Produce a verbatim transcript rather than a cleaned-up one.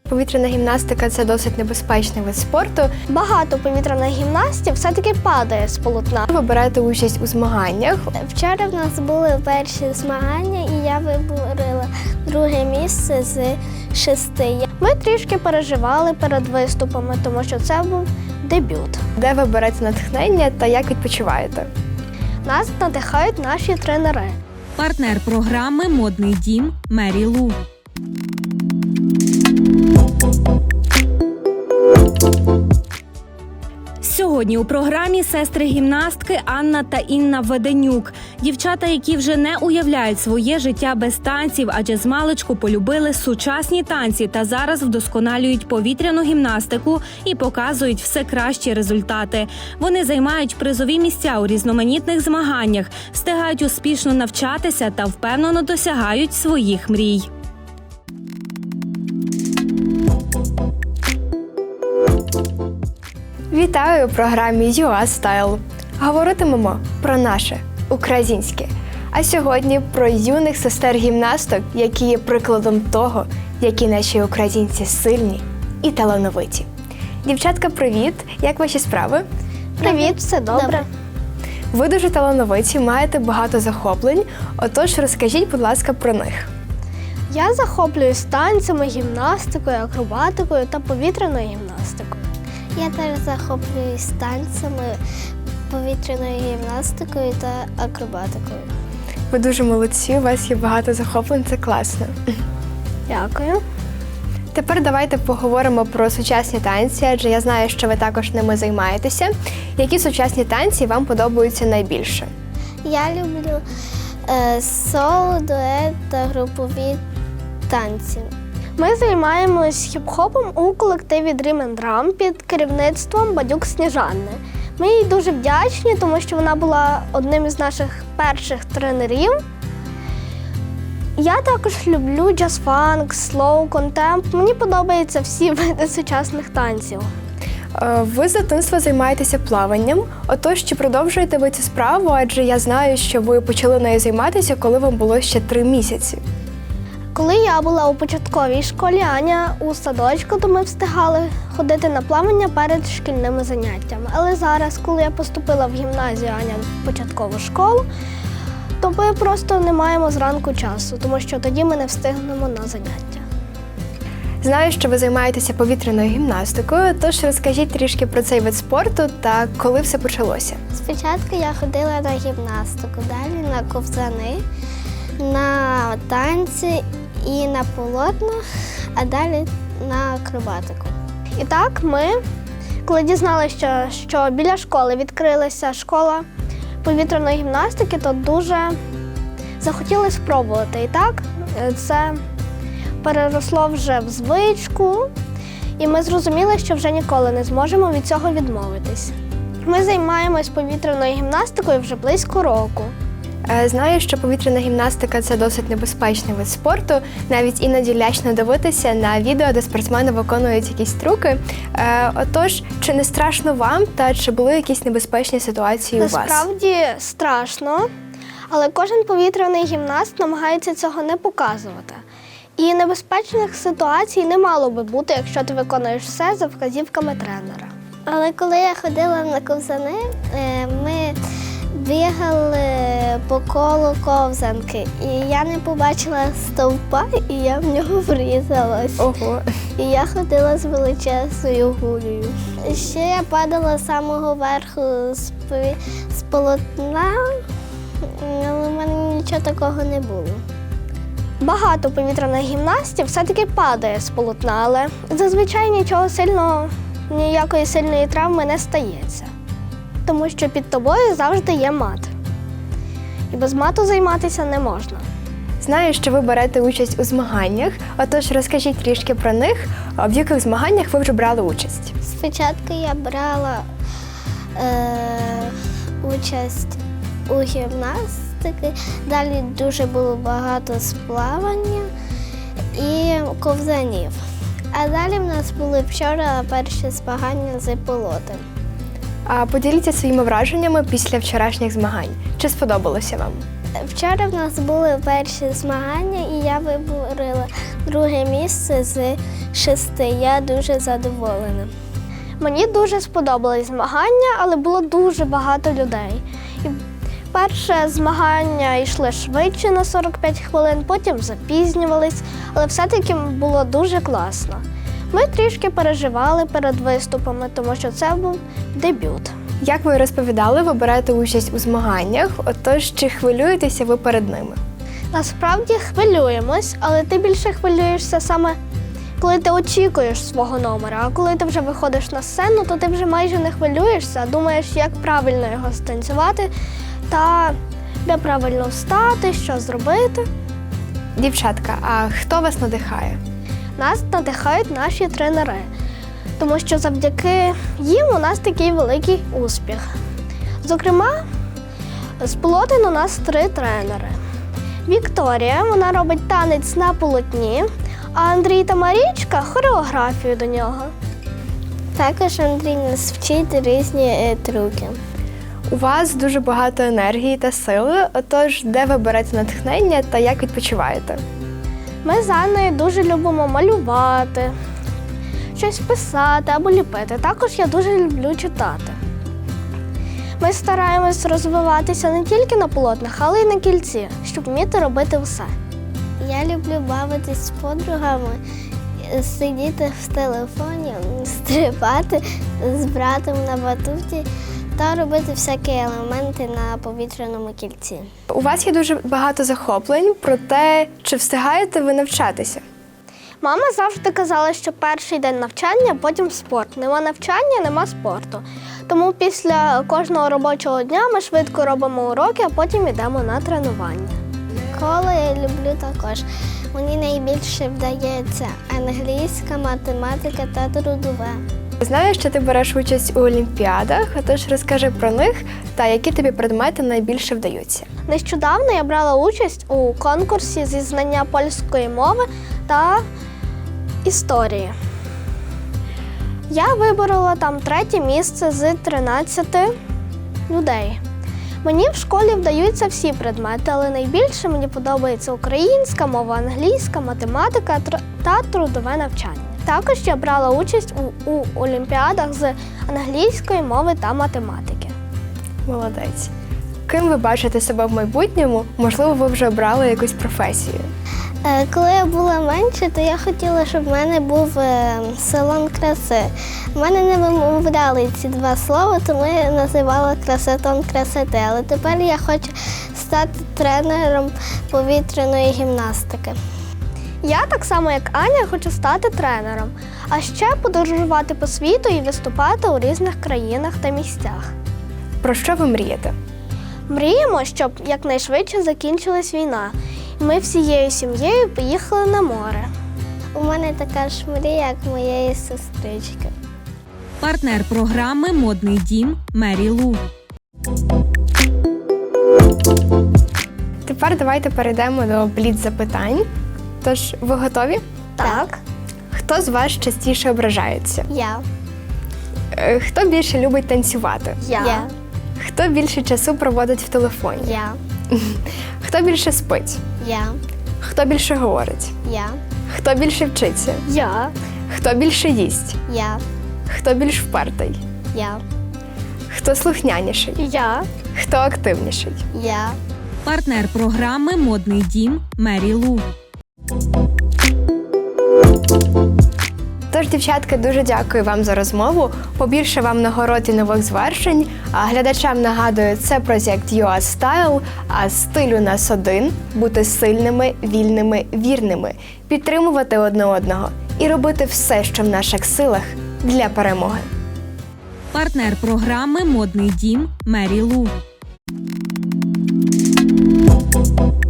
Повітряна гімнастика – це досить небезпечний вид спорту. Багато повітряних гімнастів все-таки падає з полотна. Ви берете участь у змаганнях. Вчора в нас були перші змагання, і я виборила друге місце з шести. Ми трішки переживали перед виступами, тому що це був дебют. Де ви берете натхнення та як відпочиваєте? Нас надихають наші тренери. Партнер програми «Модний дім» Мері Лу. Сьогодні у програмі сестри-гімнастки Анна та Інна Веденюк. Дівчата, які вже не уявляють своє життя без танців, адже змалечку полюбили сучасні танці та зараз вдосконалюють повітряну гімнастику і показують все кращі результати. Вони займають призові місця у різноманітних змаганнях, встигають успішно навчатися та впевнено досягають своїх мрій. Вітаю у програмі ю а Style. Говоритимемо про наше, українське. А сьогодні про юних сестер-гімнасток, які є прикладом того, які наші українці сильні і талановиті. Дівчатка, привіт! Як ваші справи? Привіт, все добре. Добре. Ви дуже талановиті, маєте багато захоплень. Отож, розкажіть, будь ласка, про них. Я захоплююсь танцями, гімнастикою, акробатикою та повітряною гімнастикою. Я теж захоплююсь танцями, повітряною гімнастикою та акробатикою. Ви дуже молодці, у вас є багато захоплень, це класно. Дякую. Тепер давайте поговоримо про сучасні танці, адже я знаю, що ви також ними займаєтеся. Які сучасні танці вам подобаються найбільше? Я люблю е, соло, дует та групові танці. Ми займаємось хіп-хопом у колективі Dream and Drum під керівництвом Бадюк Сніжани. Ми їй дуже вдячні, тому що вона була одним із наших перших тренерів. Я також люблю джаз-фанк, слоу, контемп. Мені подобаються всі види сучасних танців. Е, Ви з дитинства займаєтеся плаванням. Отож, чи продовжуєте ви цю справу? Адже я знаю, що ви почали нею займатися, коли вам було ще три місяці. Коли я була у початковій школі, Аня у садочку, то ми встигали ходити на плавання перед шкільними заняттями. Але зараз, коли я поступила в гімназію, Аня в початкову школу, то ми просто не маємо зранку часу, тому що тоді ми не встигнемо на заняття. Знаю, що ви займаєтеся повітряною гімнастикою, тож розкажіть трішки про цей вид спорту та коли все почалося. Спочатку я ходила на гімнастику, далі на ковзани, на танці і на полотно, а далі на акробатику. І так ми, коли дізналися, що, що біля школи відкрилася школа повітряної гімнастики, то дуже захотіли спробувати. І так це переросло вже в звичку, і ми зрозуміли, що вже ніколи не зможемо від цього відмовитись. Ми займаємось повітряною гімнастикою вже близько року. Е, Знаю, що повітряна гімнастика – це досить небезпечний вид спорту. Навіть іноді лячно дивитися на відео, де спортсмени виконують якісь трюки. Е, Отож, чи не страшно вам та чи були якісь небезпечні ситуації у вас? Насправді страшно, але кожен повітряний гімнаст намагається цього не показувати. І небезпечних ситуацій не мало би бути, якщо ти виконуєш все за вказівками тренера. Але коли я ходила на ковзани, е, ми бігали по колу ковзанки, і я не побачила стовпа, і я в нього врізалась. Ого. І я ходила з величезною гулею. Ще я падала з самого верху з, пові- з полотна, але в мене нічого такого не було. Багато повітряних гімнастів все-таки падає з полотна, але зазвичай нічого сильного, ніякої сильної травми не стається. Тому що під тобою завжди є мат. І без мату займатися не можна. Знаю, що ви берете участь у змаганнях, отож розкажіть трішки про них, в яких змаганнях ви вже брали участь. Спочатку я брала е, участь у гімнастики, далі дуже було багато сплавання і ковзанів. А далі в нас були вчора перші змагання з пілотом. А поділіться своїми враженнями після вчорашніх змагань. Чи сподобалося вам? Вчора в нас були перші змагання, і я виборила друге місце з шести. Я дуже задоволена. Мені дуже сподобались змагання, але було дуже багато людей. І перше змагання йшли швидше на сорок п'ять хвилин, потім запізнювались, але все-таки було дуже класно. Ми трішки переживали перед виступами, тому що це був дебют. Як ви розповідали, ви берете участь у змаганнях, отож чи хвилюєтеся ви перед ними? Насправді хвилюємось, але ти більше хвилюєшся саме, коли ти очікуєш свого номера. А коли ти вже виходиш на сцену, то ти вже майже не хвилюєшся, а думаєш, як правильно його станцювати та де правильно встати, що зробити. Дівчатка, а хто вас надихає? Нас надихають наші тренери, тому що завдяки їм у нас такий великий успіх. Зокрема, з Полотин у нас три тренери. Вікторія, вона робить танець на полотні, а Андрій та Марічка – хореографію до нього. Також Андрій нас вчить різні е, трюки. У вас дуже багато енергії та сили, отож де ви берете натхнення та як відпочиваєте? Ми з Анною дуже любимо малювати, щось писати або ліпити. Також я дуже люблю читати. Ми стараємось розвиватися не тільки на полотнах, але й на кільці, щоб вміти робити все. Я люблю бавитись з подругами, сидіти в телефоні, стрибати з братом на батуті та робити всякі елементи на повітряному кільці. У вас є дуже багато захоплень, проте чи встигаєте ви навчатися? Мама завжди казала, що перший день навчання, потім спорт. Нема навчання, нема спорту. Тому після кожного робочого дня ми швидко робимо уроки, а потім йдемо на тренування. Школу я люблю також. Мені найбільше вдається англійська, математика та трудове. Знаю, що ти береш участь у олімпіадах, отож розкажи про них та які тобі предмети найбільше вдаються. Нещодавно я брала участь у конкурсі зі знання польської мови та історії. Я виборола там третє місце з тринадцяти людей. Мені в школі вдаються всі предмети, але найбільше мені подобається українська мова, англійська, математика тр- та трудове навчання. Також я брала участь у, у олімпіадах з англійської мови та математики. Молодець. Ким ви бачите себе в майбутньому? Можливо, ви вже обрали якусь професію? Е, Коли я була менше, то я хотіла, щоб в мене був е, салон краси. В мене не вимовляли ці два слова, тому я називала красотон красоти. Але тепер я хочу стати тренером повітряної гімнастики. Я, так само як Аня, хочу стати тренером, а ще подорожувати по світу і виступати у різних країнах та місцях. Про що ви мрієте? Мріємо, щоб якнайшвидше закінчилась війна, і ми всією сім'єю поїхали на море. У мене така ж мрія, як моєї сестрички. Партнер програми «Модний дім» Мері Лу. Тепер давайте перейдемо до бліц-запитань. Тож, ви готові? Так. Хто з вас частіше ображається? Я. Е, Хто більше любить танцювати? Я. Я. Хто більше часу проводить в телефоні? Я. Хто більше спить? Я. Хто більше говорить? Я. Хто більше вчиться? Я. Хто більше їсть? Я. Хто більш впертий? Я. Хто слухняніший? Я. Хто активніший? Я. Партнер програми «Модний дім» Мері Лу. Тож, дівчатки, дуже дякую вам за розмову. Побільше вам нагород і нових звершень. А глядачам нагадую, це проєкт ю а Style, а стиль у нас один – бути сильними, вільними, вірними, підтримувати одне одного і робити все, що в наших силах для перемоги. Партнер програми «Модний дім» Мері Лу.